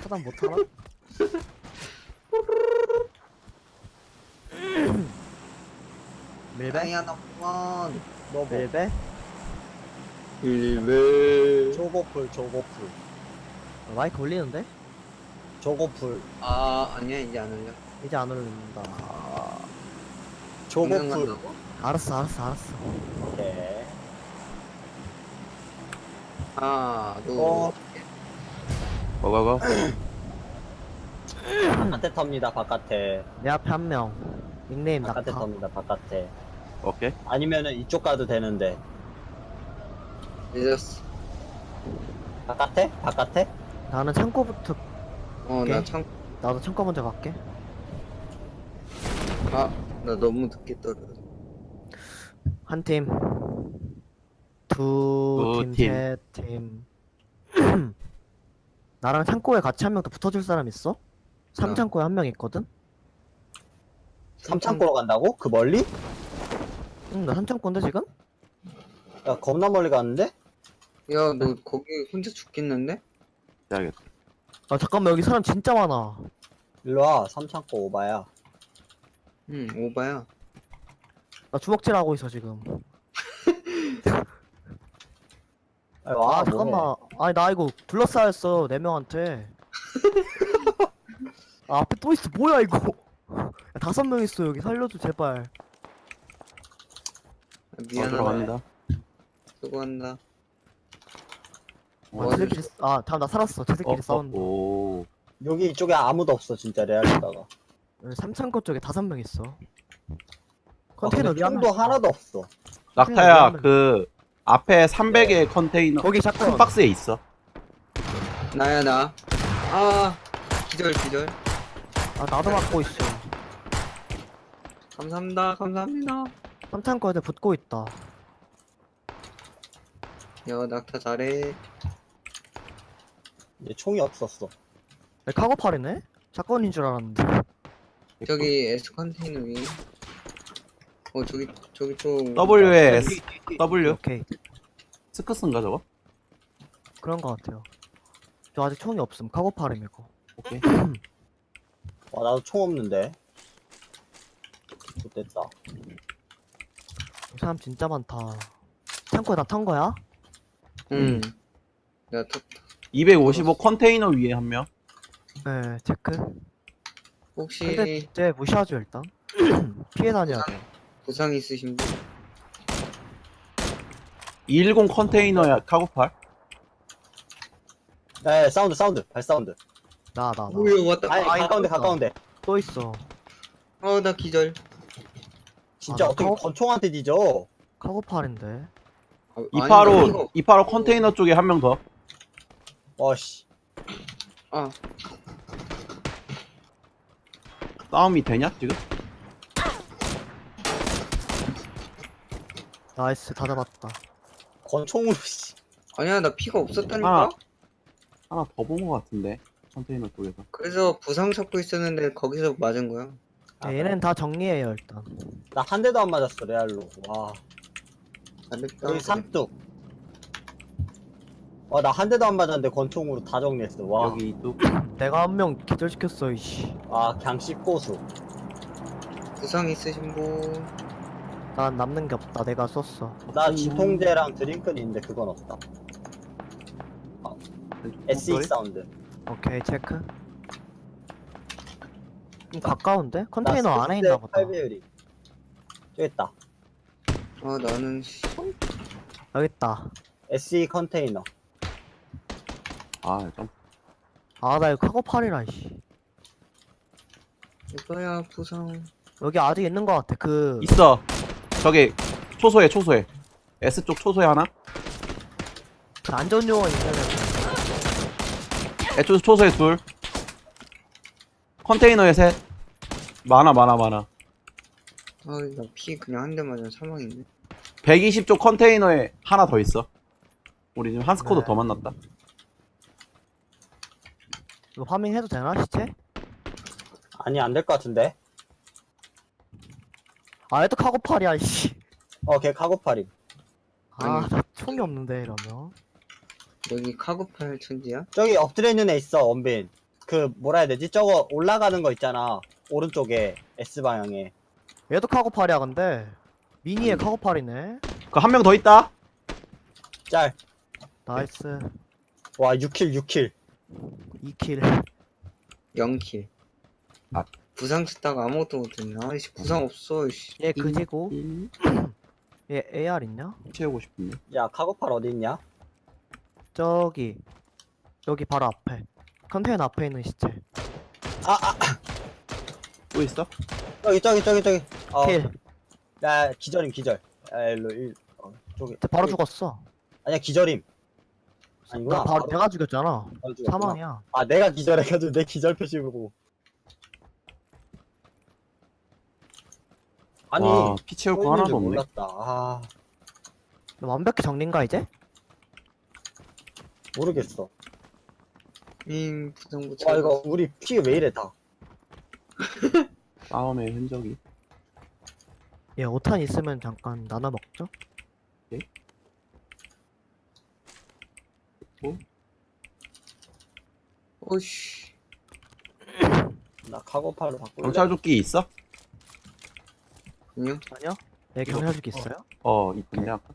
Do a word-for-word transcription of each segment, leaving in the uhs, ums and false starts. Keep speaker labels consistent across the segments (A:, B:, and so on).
A: 차단 못하나? 밀배?
B: 아야 나만
C: 너뭐
A: 밀배?
B: 일베
C: 조고풀 조고풀
A: 어, 마이크 올리는데?
C: 조고풀
B: 아 아니야 이제 안 올려
A: 이제 안 올린다.
B: 공연
C: 조고풀
B: 간다고?
A: 알았어 알았어 알았어.
C: 오케이
B: 하나 둘
C: 어
D: 고고고.
C: 바깥에 텁니다 바깥에
A: 내 앞에 한 명. 닉네임
C: 바깥에
A: 낙타.
C: 텁니다 바깥에
D: 오케이.
C: 아니면은 이쪽 가도 되는데
B: 늦었어
C: 바깥에? 바깥에?
A: 나는 창고부터.
B: 어나
A: 오케이.
B: 참
A: 나도 창고 먼저 갈게.
B: 아, 나 너무 늦게 떨어.
A: 한 팀. 두
D: 두
A: 팀,
D: 팀.
A: 세 팀. 나랑 창고에 같이 한 명 더 붙어줄 사람 있어? 삼
B: 나.
A: 창고에 한 명 있거든?
C: 삼창고로 간다고? 그 멀리?
A: 응, 나 삼 창고인데 지금?
C: 야 겁나 멀리 갔는데?
B: 야, 너 거기 혼자 죽겠는데?
D: 해야겠다.
A: 아 잠깐만 여기 사람 진짜 많아.
C: 일로와 삼창고 오바야
B: 응, 오바야.
A: 나 주먹질 하고 있어 지금.
C: 아, 와
A: 아 잠깐만. 아니 나 이거 둘러싸였어 네 명한테. 아 앞에 또 있어 뭐야 이거. 야, 다섯 명 있어 여기 살려줘 제발.
B: 아,
D: 어,
B: 미안하다.
D: 들어갑니다.
B: 수고한다.
A: 아
B: 어,
A: 쟤들끼리 싸- 아 다음 나 살았어 쟤들끼리
D: 어,
A: 싸운다.
D: 오.
C: 여기 이쪽에 아무도 없어 진짜 레알리다가
A: 삼 창고 쪽에 다섯 명 있어.
C: 아,
A: 컨테이너
C: 근데
A: 위에 한
C: 총도
A: 명.
C: 하나도 없어
D: 낙타야,
A: 미안해.
D: 그 앞에 삼백의 컨테이너
A: 거기
D: 큰
A: 샷건.
D: 박스에 있어.
B: 나야, 나. 아, 기절, 기절.
A: 아 나도 맞고 있어.
B: 감사합니다, 감사합니다.
A: 삼 창고 애들 붙고 있다.
B: 야, 낙타 잘해.
C: 이제 총이 없었어
A: 내 카고팔이네? 샷건인 줄 알았는데.
B: 저기 S 컨테이너 위에. 어, 저기, 저기 좀.
D: W에 S, W?
A: 오케이
D: 스크스인가 저거?
A: 그런 거 같아요. 저 아직 총이 없음 카고팔임 이거.
D: 오케이.
C: 와 나도 총 없는데 좋됐다
A: 이 사람 진짜 많다. 창고에 다 탄 거야?
B: 응. 야, 또,
D: 이백오십오 컨테이너 위에 한 명.
A: 네 체크.
B: 혹시
A: 근데 쟤 무시하죠 일단. 피해 다녀야 돼.
B: 부상 있으신 분?
D: 이백십 컨테이너야 카고팔.
C: 네 사운드 사운드 발사운드
A: 나 나 나.
B: 오야, 왔다.
C: 아니
A: 아,
C: 가까운데
A: 있다.
C: 가까운데
A: 또 있어.
B: 어, 나 기절.
C: 진짜
A: 아, 나
C: 어떻게
A: 가오-
C: 권총한테 뒤져
A: 카고팔인데.
B: 아, 아니, 나
D: 이백팔십오,
B: 피가 없-
D: 이백팔십오 컨테이너 쪽에 한 명 더.
C: 와씨
B: 아,
D: 싸움이 되냐 지금?
A: 나이스 다 잡았다.
C: 권총으로 씨
B: 아니야, 나 피가 없었다니까?
D: 아. 하나 더 본 것 같은데 컨테이너 쪽에서.
B: 그래서 부상 찾고 있었는데 거기서 맞은 거야.
C: 아,
A: 야, 얘는 다 정리해요 일단.
C: 나 한 대도 안 맞았어 레알로 와
B: 잘했다.
C: 여기 삼뚝 와나 한 대도 안 맞았는데 권총으로 다 정리했어 와
D: 여기 또
A: 내가 한 명 기절시켰어 이씨.
C: 아 그냥 씹고수
B: 부상 있으신 분?
A: 난 남는 게 없다. 내가 썼어.
C: 나 진통제랑 드링크는 있는데 그건 없다 에스이 사운드
A: 오케이 체크. 좀 가까운데? 컨테이너 안에 있나 보다.
C: 팔 배율이 저기 있다
B: 아, 나는 씨.
A: 여기 있다.
C: 에스이 컨테이너
D: 아 좀.
A: 아 나 이거 카고팔이라 씨.
B: 이거야 부상.
A: 여기 아직 있는 거 같아. 그
D: 있어. 저기 초소에 초소에. S 쪽 초소에 하나.
A: 그 안전요원 있잖아.
D: S 쪽 초소에 둘. 컨테이너에 셋. 많아 많아 많아.
B: 아, 나 피 그냥 한 대 맞아 사망인데.
D: 백이십 쪽 컨테이너에 하나 더 있어. 우리 지금 한 스쿼드
A: 네.
D: 더 만났다.
A: 이거 파밍 해도 되나 시체?
C: 아니 안 될 것 같은데
A: 아 얘도 카고팔이야 씨.
C: 어걔 카고팔임
A: 아
B: 아니.
A: 나 총이 없는데 이러면.
B: 여기 카고팔 천지야?
C: 저기 엎드려 있는 애 있어 원빈 그 뭐라 해야 되지? 저거 올라가는 거 있잖아. 오른쪽에 S 방향에.
A: 얘도 카고팔이야 근데 미니의 카고팔이네.
D: 그 한 명 더 있다.
C: 짤.
A: 나이스.
C: 와 육 킬 육 킬.
A: 이 킬.
B: 영 킬.
D: 아.
B: 부상 치다가 아무것도 못했네. 아이씨 부상 없어. 씨.
A: 얘 그지고
D: 일
A: 얘 에이알 있냐?
D: 채우고 싶은데.
C: 야 카고팔 어디 있냐?
A: 저기 여기 바로 앞에 컨테이너 앞에 있는 시체.
C: 아아
D: 또 있어?
C: 저기 저기 저기 저기. 어.
A: 킬.
C: 야 기절임 기절. 야 일로 일. 어, 저기.
A: 쟤 바로
C: 저기.
A: 죽었어.
C: 아니야 기절임. 아니구나.
A: 나 바로 내가 죽였잖아.
C: 바로 죽였구나.
A: 사망이야.
C: 아 내가 기절해가지고 내 기절 표시 보고. 아니
D: 와, 피 채울
C: 또
D: 거
C: 있는
D: 하나도
C: 줄
D: 없네.
C: 몰랐다. 아
A: 너 완벽히 정리인가 이제?
C: 모르겠어.
B: 잉 부상 못
C: 와
B: 찾았어.
C: 이거 우리 피 왜 이래 다.
D: 싸움의 흔적이.
A: 얘 오탄 있으면 잠깐 나눠 먹죠?
B: 오씨.
C: 나 카고팔로 바꿀래.
D: 경찰 조끼 있어?
B: 아니요.
A: 아니야? 내 경찰죽 있어요?
D: 어, 있던데 아까.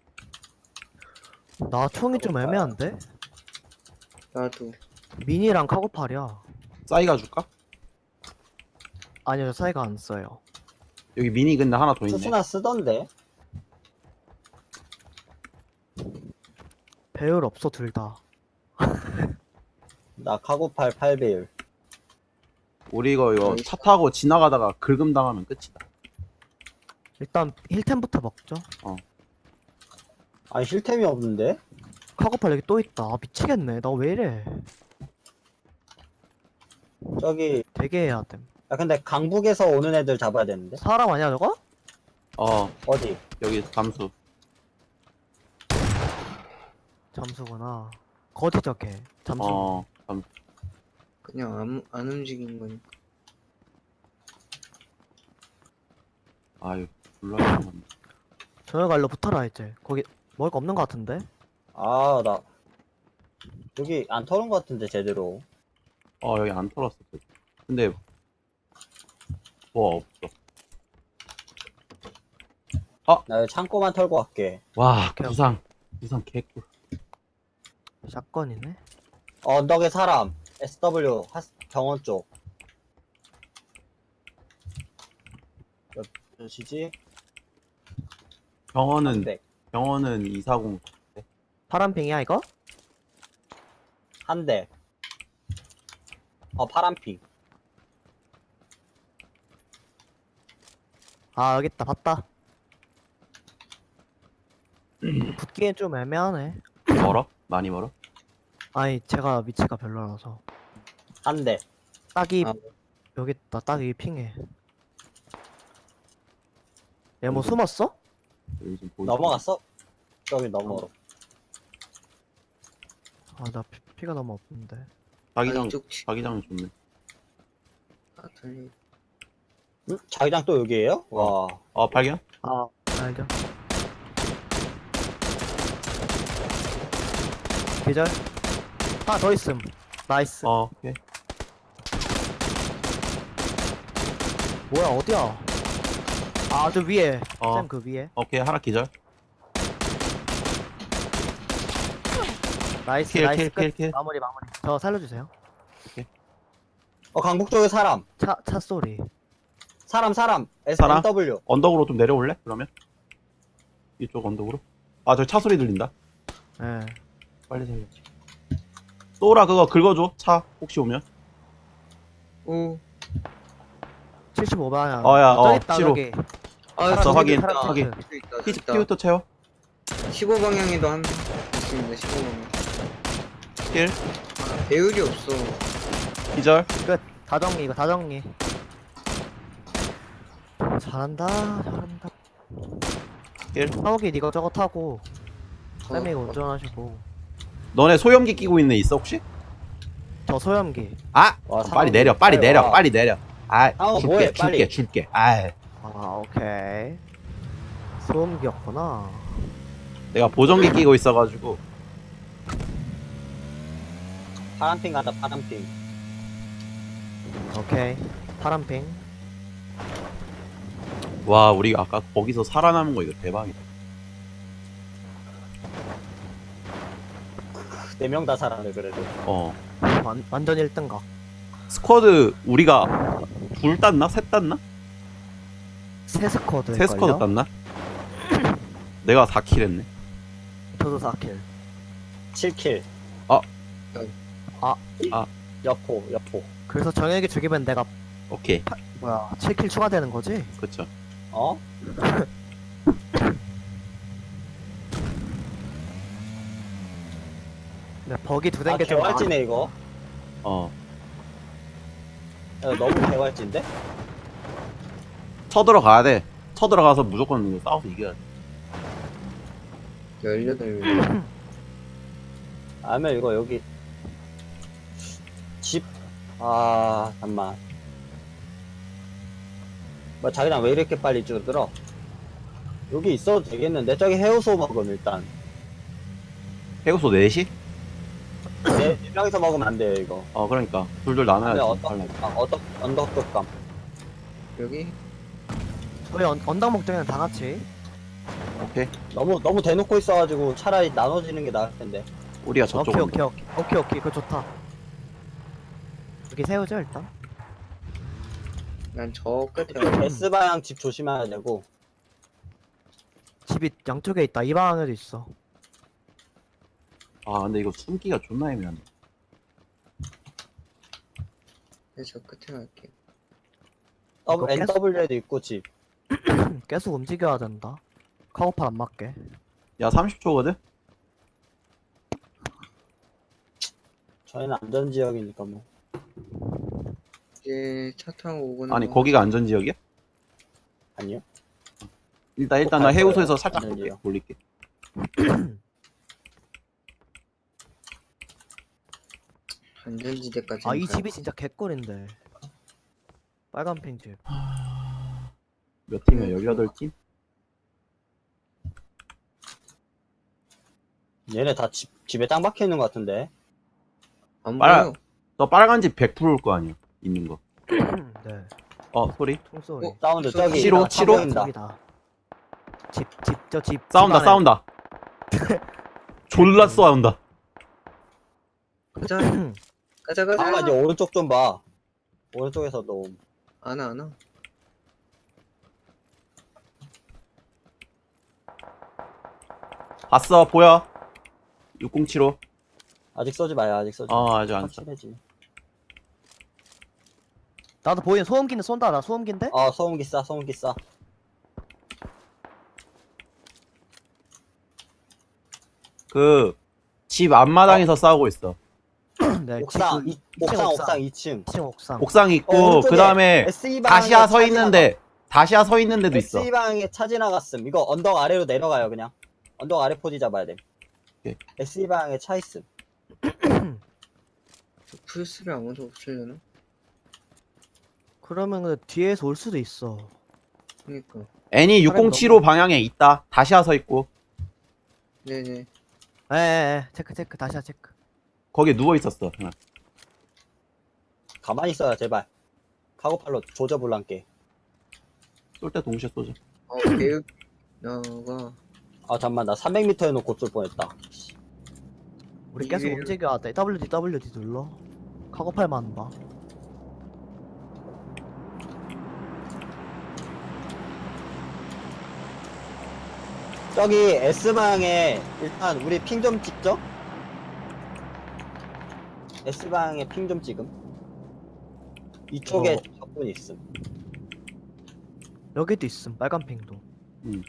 A: 나 총이 좀 애매한데?
B: 나도.
A: 미니랑 카고팔이야.
D: 싸이가 줄까?
A: 아니요 저 사이가 안 써요.
D: 여기 미니 근데 하나 더 있네.
C: 수수나 쓰던데.
A: 배율 없어 둘 다.
C: 나 카고팔 팔 배율.
D: 우리 이거 이거 차 타고 지나가다가 긁음 당하면 끝이다.
A: 일단 힐템부터 먹죠.
C: 아니 힐템이 없는데?
A: 카고팔 여기 또 있다. 아, 미치겠네. 나 왜 이래?
C: 저기
A: 되게 해야 됨.
C: 야 근데 강북에서 오는 애들 잡아야 되는데.
A: 사람 아니야 저거?
D: 어,
C: 어디?
D: 여기 감수.
A: 잠수구나. 거지 저게. 잠수.
D: 어, 감수.
B: 그냥 안, 안 움직이는 거니까.
D: 아유, 불러야
A: 저녁 갈로 붙어라 이제. 거기 먹을 거 없는 거 같은데?
C: 아 나 여기 안 털은 것 같은데 제대로.
D: 어, 여기 안 털었어. 근데 뭐 없어.
C: 나 여기 창고만 털고 갈게.
D: 와,
A: 오케이,
D: 부상. 부상 개꿀.
A: 샷건이네.
C: 어, 언덕에 사람. 에스 더블유 하, 병원 쪽. 몇, 몇이지?
D: 병원은
C: 삼백.
D: 병원은 이사공.
A: 파란 빙이야 이거?
C: 한 대. 어 파란핑.
A: 아 여기 있다. 봤다. 붙기엔 좀 애매하네.
D: 멀어? 많이 멀어?
A: 아니 제가 위치가 별로라서.
C: 한 대.
A: 딱이
B: 아.
A: 여기 있다. 딱 이 핑해. 얘 뭐 숨었어?
D: 여기 좀 보이지?
C: 넘어갔어? 저기 넘어.
A: 아 나 피가 너무 없는데.
D: 자기장
B: 이쪽 치.
D: 자기장 좋네.
B: 아, 달리.
C: 응? 자기장 또 여기에요? 와.
D: 어, 발견?
A: 아 알죠. 계절. 하나 더 있음. 나이스.
D: 어, 오케이.
A: 뭐야 어디야? 아 저 위에.
D: 어.
A: 쌤 그 위에.
D: 오케이, 하나 기절.
A: 나이스
D: 킬,
A: 나이스
D: 킬,
A: 끝.
D: 킬, 킬.
A: 마무리 마무리. 저 살려주세요.
C: 어 강북 쪽에 사람.
A: 차 차 소리.
C: 사람 사람. 에스
D: 사람?
C: 더블유.
D: 언덕으로 좀 내려올래? 그러면? 이쪽 언덕으로? 아, 저기 차 소리 들린다.
A: 예.
D: 빨리 살려야지. 또라 그거 긁어줘. 차 혹시 오면.
B: 오.
A: 칠십오 방향.
D: 어, 야, 어,
A: 있다,
D: 칠십오.
A: 저기.
B: 아,
D: 알았어,
B: 저기
D: 확인,
B: 있다.
D: 확인.
B: 저기 있다.
D: 피,
B: 저기 있다.
D: 피부터 채워.
B: 십오 방향에도 한 명 있습니다. 십오 방향.
D: 킬.
B: 배율이 없어.
D: 기절.
A: 끝. 다 정리 이거 다 정리. 잘한다 잘한다.
D: 킬.
A: 사오기 이거 저거 타고 쌤이 이거
B: 어,
A: 운전하시고.
D: 너네 소염기 끼고 있는 애 있어 혹시?
A: 저 소염기.
D: 아!
C: 와,
D: 어, 빨리
C: 상황이
D: 내려. 빨리
C: 빨리
D: 내려.
C: 와.
D: 빨리 내려. 아,
C: 상황
D: 줄게.
C: 뭐해,
D: 줄게.
C: 빨리.
D: 줄게. 아,
A: 아 오케이. 소음기였구나.
D: 내가 보정기 끼고 있어가지고.
C: 파란핑 간다 파란핑.
A: 오케이. 파란핑.
D: 와 우리 아까 거기서 살아남은 거 이거 대박이다.
C: 네 명 다 살았네 그래도.
D: 어
A: 완, 완전 일 등각.
D: 스쿼드 우리가 둘 땄나? 셋 땄나?
A: 세 스쿼드.
D: 세 스쿼드 땄나? 내가 사 킬 했네.
A: 저도 사 킬.
C: 칠 킬.
D: 아.
A: 아.
D: 아.
C: 여포 여포.
A: 그래서 정혁이 죽이면 내가
D: 오케이
A: 뭐야 칠 킬 추가되는 거지?
D: 그쵸.
C: 어?
A: 네, 버기 두
C: 아
A: 댕게 좀
C: 개활지네 이거.
D: 어
C: 야, 너무 개활지인데?
D: 쳐들어가야 돼. 쳐들어가서 무조건 이거 싸워서 이겨야 돼.
B: 열여덟 명.
C: 아니면 이거 여기 집. 아 잠만. 뭐 자기랑 왜 이렇게 빨리 줄어들어? 여기 있어도 되겠는데 저기 해우소 먹음 일단.
D: 해고소 넷이?
C: 네, 네 명이서 먹으면 안 돼요 이거.
D: 어 그러니까 둘둘
C: 근데
D: 나눠야지.
C: 어떤
D: 빨리.
C: 아, 어떤 언덕급감.
B: 여기
A: 저희 언, 언덕 목적에는 다 같이.
D: 오케이
C: 너무 너무 대놓고 있어가지고 차라리 나눠지는 게 나을 텐데.
D: 우리가 저쪽
A: 오케이
D: 온다.
A: 오케이 오케이 오케이 오케이 그거 좋다. 여기 세우죠 일단.
B: 난 저 끝에 가.
C: S 방향 집 조심해야 되고.
A: 집이 양쪽에 있다. 이 방향에도 있어.
D: 아 근데 이거 숨기가 존나 애매하네.
B: 저 끝에 갈게.
C: 더블
A: 이거 계속-
C: 엔더블유에도 있고 집.
A: 계속 움직여야 된다. 카고팔 안 맞게.
D: 야 삼십 초거든?
C: 저희는 안전지역이니까 뭐.
B: 이제 차 타고 오거나.
D: 아니
B: 뭐.
D: 거기가 안전지역이야?
C: 아니요?
D: 일단 일단 나
C: 갈
D: 해우소에서
C: 거예요.
D: 살짝 볼게,
C: 안전지역.
D: 돌릴게.
B: 안전지대까지.
A: 아 이 집이 진짜 개꿀인데. 빨간핑 집.
D: 몇 팀이야? 열여덟 팀?
C: 얘네 다 집, 집에 땅 박혀 있는 것 같은데.
B: 안
D: 빨아.
B: 보여.
D: 너 빨간 집 백 퍼센트일 거 아니야? 있는 거.
A: 네.
D: 어 소리?
A: 총소리.
B: 어?
C: 사운드 저기.
D: 치로,
C: 차
D: 치로?
C: 보인다.
A: 저기다. 집, 집, 저 집.
D: 싸운다
A: 집 안에.
D: 싸운다. 졸라 싸운다.
B: 가자. 가자 가자.
C: 아, 이제 오른쪽 좀 봐. 오른쪽에서 너.
B: 안와 안와.
D: 봤어 보여? 육공칠오.
C: 아직 쏘지 마요, 아직 쏘지 마.
D: 어 아직 안 써.
C: 확실해지.
A: 나도 보이는 소음기는 쏜다. 나 소음기인데?
C: 어, 소음기 싸, 소음기 싸.
D: 그 집 앞마당에서 싸우고 있어.
A: 네.
C: 옥상,
A: 집,
C: 이, 옥상,
A: 옥상.
C: 옥상 이 층.
A: 층 옥상.
D: 옥상
C: 어,
D: 있고
C: 오른쪽에
D: 그 다음에
C: 에스이 방향에
D: 다시야 서
C: 차
D: 있는데 다시야 서 있는 데도 있어.
C: 에스이 방향에 차 지나갔음. 이거 언덕 아래로 내려가요, 그냥. 언덕 아래 포지 잡아야 돼.
D: 오케이.
C: 에스이 방향에 차 있음.
B: 플스를 아무도 없으려나?
A: 그러면 근데 뒤에서 올 수도 있어.
B: 그니까.
D: 애니 육공칠오 방향에 있다. 다시야 서 있고
B: 네네.
A: 에에에 체크 체크 다시야 체크.
D: 거기에 누워 있었어. 하나.
C: 가만히 있어요, 제발. 카고팔로 조져불란게.
D: 쏠 때 동시에 쏘자.
B: 어 배육 나가.
C: 아, 잠만, 나 삼백 미터 해놓고 쏠 뻔했다.
A: 우리 계속
B: 이게-
A: 움직여야 돼. 더블유디 더블유디 눌러. 카고팔만 봐.
C: 저기 S방향에 일단 우리 핑 좀 찍죠? S방향에 핑 좀 찍음. 이쪽에
A: 어.
C: 적군 있음.
A: 여기도 있음. 빨간 핑도.
D: 음.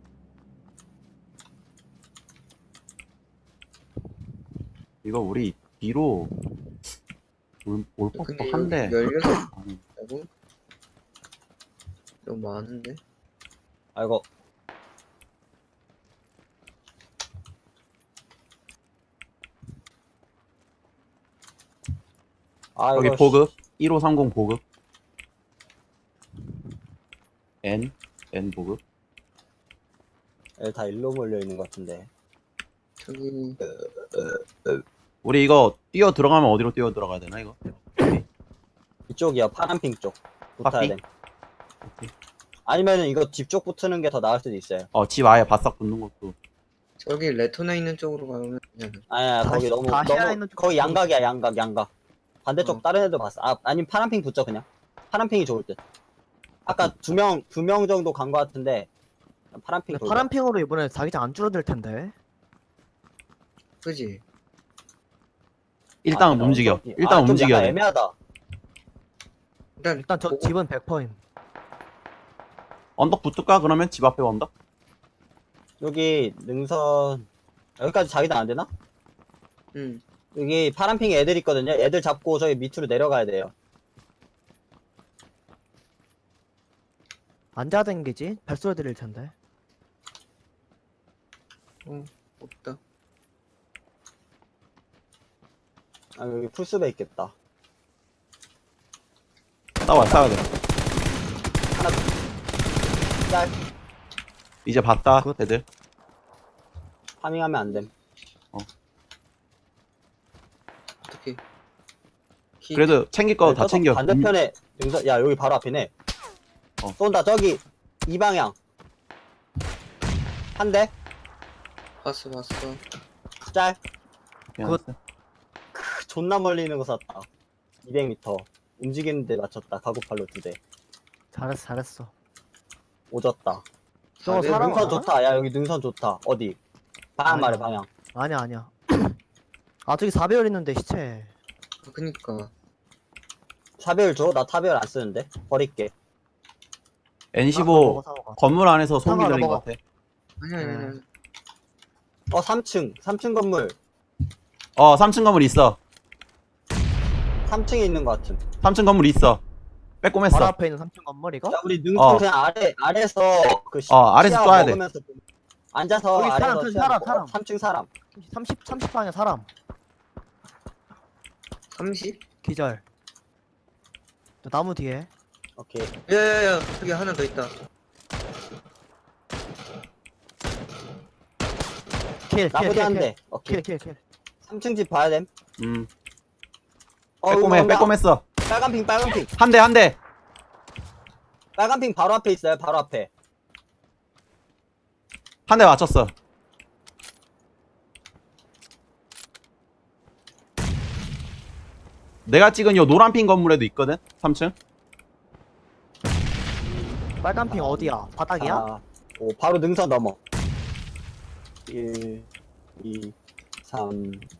D: 이거 우리 뒤로 올, 올
B: 근데
D: 법도 한데
B: 열여섯
D: 아니,
B: 라고? 너무 많은데?
C: 아이고. 아,
D: 여기
C: 이거
D: 보급 일오삼공 보급 N N 보급
C: 씨, 다 일로 몰려 있는 것 같은데.
B: 저기
D: 우리 이거 뛰어 들어가면 어디로 뛰어 들어가야 되나 이거?
C: 이쪽이야 파란핑 쪽 붙어야
D: 파핑?
C: 돼. 아니면은 이거 집 쪽 붙는 게 더 나을 수도 있어요.
D: 어, 집 아예 바싹 붙는 것도.
B: 저기 레토나 있는 쪽으로 가면 그냥
C: 아니야
A: 다시-
C: 거기 너무
A: 다시아
C: 너무
A: 있는 쪽
C: 거기
A: 붙고
C: 양각이야 양각 양각. 반대쪽
B: 어.
C: 다른 애들 봤어. 아 아니면 파란핑 붙죠 그냥. 파란핑이 좋을 듯. 아까 두 명 두 명 정도 간 거 같은데 파란핑
A: 근데
C: 돌려.
A: 파란 핑으로 이번에 자기장 안 줄어들 텐데.
B: 그지?
D: 일단은
C: 아,
D: 움직여.
C: 어,
D: 일단
C: 아, 좀
D: 움직여야
C: 약간
D: 돼.
C: 애매하다.
B: 일단
A: 일단 저
B: 보고-
A: 집은 백 퍼센트.
D: 언덕 붙을까? 그러면 집 앞에 언덕?
C: 여기 능선 여기까지 자기장 안 되나?
B: 응.
C: 여기 파란핑에 애들 있거든요. 애들 잡고 저기 밑으로 내려가야 돼요.
A: 앉아 댕기지? 발소리 들릴 텐데.
B: 어 없다.
C: 아 여기 풀숲에 있겠다.
D: 싸워, 싸워야 돼.
C: 짤
D: 이제 봤다,
A: 굿.
D: 애들.
C: 파밍하면 안 됨.
B: 어떻게? 키-
D: 그래도 챙길 거 다
C: 저쪽
D: 챙겨. 음,
C: 반대편에 능선 야 여기 바로 앞이네.
D: 어.
C: 쏜다 저기 이 방향. 한 대.
B: 봤어 봤어.
C: 짤.
D: 미안했어.
C: 크, 존나 멀리 있는 거 쐈다. 이백 미터. 움직이는데 맞췄다. 가구팔로 두 대.
A: 잘했어, 잘했어.
C: 오졌다.
A: 저거
B: 아, 네,
A: 사람
C: 능선
A: 알아?
C: 좋다. 야 여기 능선 좋다. 어디? 방향
A: 아니야.
C: 말해 방향.
A: 아니야, 아니야. 아, 저기 사 배열 있는데, 시체.
B: 아, 그니까.
C: 사배율 줘? 나 타배율 안 쓰는데. 버릴게.
D: 엔
A: 아,
D: 십오
A: 먹어, 사먹어.
D: 건물 안에서 소음기
A: 상관없어,
D: 들린 것
A: 먹어.
D: 같아.
B: 아니 아니
A: 네.
B: 아니.
C: 어 삼 층. 삼 층 건물.
D: 어, 삼 층 건물 있어.
C: 삼 층에 있는 것 같음.
D: 삼 층 건물 있어. 빼꼼했어.
A: 바로 앞에 있는 삼 층 건물, 이거?
C: 야 우리 능선
D: 어.
C: 그냥 아래 아래서 그 시,
D: 어, 아래서
C: 시야
D: 쏴야 돼.
C: 먹으면서 앉아서
A: 여기 사람,
C: 아래서
A: 저기
C: 시야
A: 사람,
C: 먹고.
A: 사람.
C: 삼 층 사람.
A: 삼십, 삼십 방에 사람.
B: 삼십?
A: 기절. 저 나무 뒤에.
C: 오케이.
B: 야야야 저기 하나 더 있다.
A: 킬, 킬,
C: 나머지
A: 킬,
C: 한
A: 킬.
C: 대. 오케이.
A: 킬, 킬, 킬.
C: 삼 층 집 봐야 됨.
D: 음.
C: 어,
D: 빼꼼해,
C: 이거
D: 빼꼼했어.
C: 빨간 핑, 빨간 핑.
D: 한 대, 한 대.
C: 빨간 핑 바로 앞에 있어요. 바로 앞에.
D: 한 대 맞췄어. 내가 찍은 요 노란 핀 건물에도 있거든? 삼 층?
A: 빨간 핑 어디야? 바닥이야?
C: 아, 오, 바로 능선 넘어. 일, 이, 삼,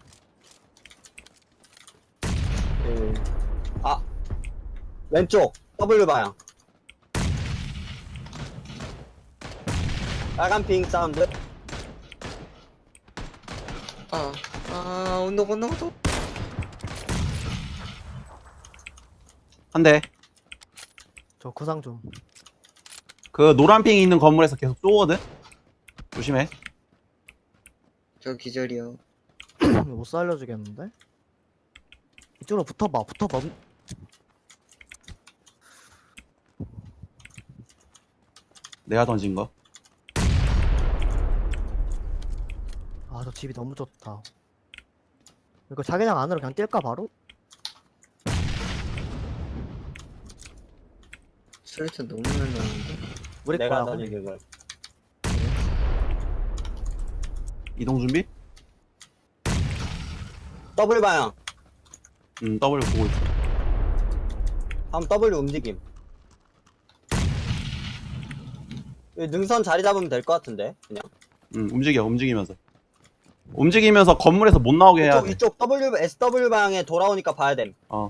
C: 일. 아, 왼쪽 W 방향. 빨간 핑 사운드.
B: 아, 아, 언덕, 언덕, 언덕.
D: 한 대.
A: 저 구상 좀.
D: 그 노란 핑이 있는 건물에서 계속 쏘거든? 조심해.
B: 저 기절이요.
A: 못 살려주겠는데? 이쪽으로 붙어봐, 붙어봐.
D: 내가 던진 거.
A: 아, 저 집이 너무 좋다. 이거 자기장 안으로 그냥 뛸까, 바로?
B: 수류탄 너무 많이 나오는데.
A: 우리
C: 내가
A: 거야.
C: 던진 그걸.
D: 이동 준비?
C: W 방향.
D: 음, W 보고 있어.
C: 다음 W 움직임. 여기 능선 자리 잡으면 될 것 같은데 그냥.
D: 음, 움직여, 움직이면서. 움직이면서 건물에서 못 나오게 해야
C: 이쪽
D: 돼.
C: 이쪽 W S W 방향에 돌아오니까 봐야 됨.
D: 어.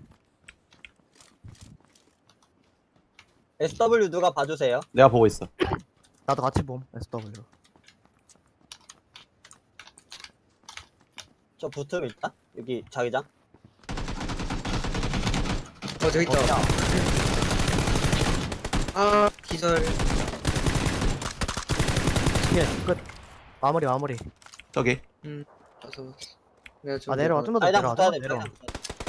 C: S W 누가 봐주세요.
D: 내가 보고 있어.
A: 나도 같이 봄, 에스 더블유.
C: 저 붙음 일단 여기 자기장.
B: 어, 저기 있다.
A: 어디야?
B: 아, 기절.
A: 킬, 끝. 마무리, 마무리.
D: 저기.
B: 음, 봤어, 봤어. 내가 좀
A: 아, 내려와, 좀 더
C: 자기장
A: 내려와,
C: 붙어야
A: 좀
C: 돼.
A: 더 내려와.
C: 자기장 붙어야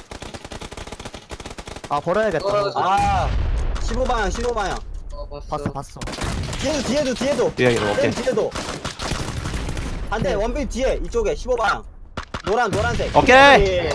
C: 돼.
A: 아, 버려야겠다.
B: 어,
A: 저거.
C: 아 십오 방향 십오 방향.
B: 어, 봤어.
A: 봤어, 봤어.
C: 뒤에도 뒤에도 뒤에도.
D: 뒤에, 오케이.
C: 맨 뒤에도. 안돼 원빈 뒤에 이쪽에 십오 방향. 노란 노란색.
D: 오케이!